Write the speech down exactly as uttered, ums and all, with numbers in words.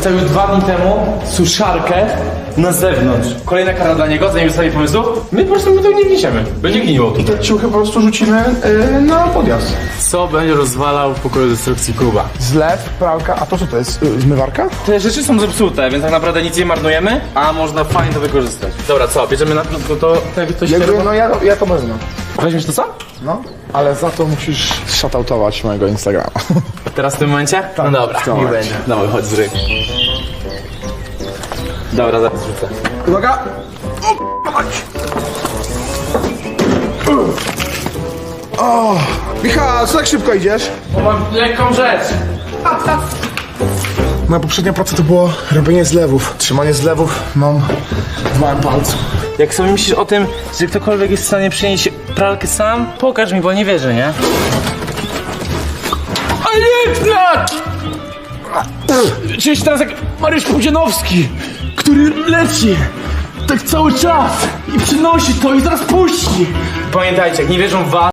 Zostawił dwa dni temu suszarkę na zewnątrz. Kolejna kara dla niego, zanim zostawi pomysłu. My po prostu my to nie wniesiemy. Będzie gniło. I te ciuchy po prostu rzucimy yy, na podjazd. Co będzie rozwalał w pokoju destrukcji Kuba? Zlew, pralka, a to co to jest? Yy, zmywarka? Te rzeczy są zepsute, więc tak naprawdę nic nie marnujemy, a można fajnie to wykorzystać. Dobra, co? Bierzemy na to, to tak jak ktoś Jakby, robi? no ja, ja to wezmę. Weźmiesz to sam? No, ale za to musisz shoutoutować mojego Instagrama. Teraz w tym momencie? Tak, no dobra, w tym niech momencie. będzie. Dawaj, chodź zryj. Dobra, zaraz rzucę. Uwaga! O, Michał, co tak szybko idziesz? Bo mam lekką rzecz. Moja poprzednia praca to było robienie zlewów. Trzymanie zlewów mam w małym palcu. Jak sobie myślisz o tym, że ktokolwiek jest w stanie przynieść pralkę sam, pokaż mi, bo nie wierzę, nie? A nie, tak! Czuję się teraz jak Mariusz Pudzianowski, który leci tak cały czas i przynosi to i zaraz puści. Pamiętajcie, jak nie wierzą w was,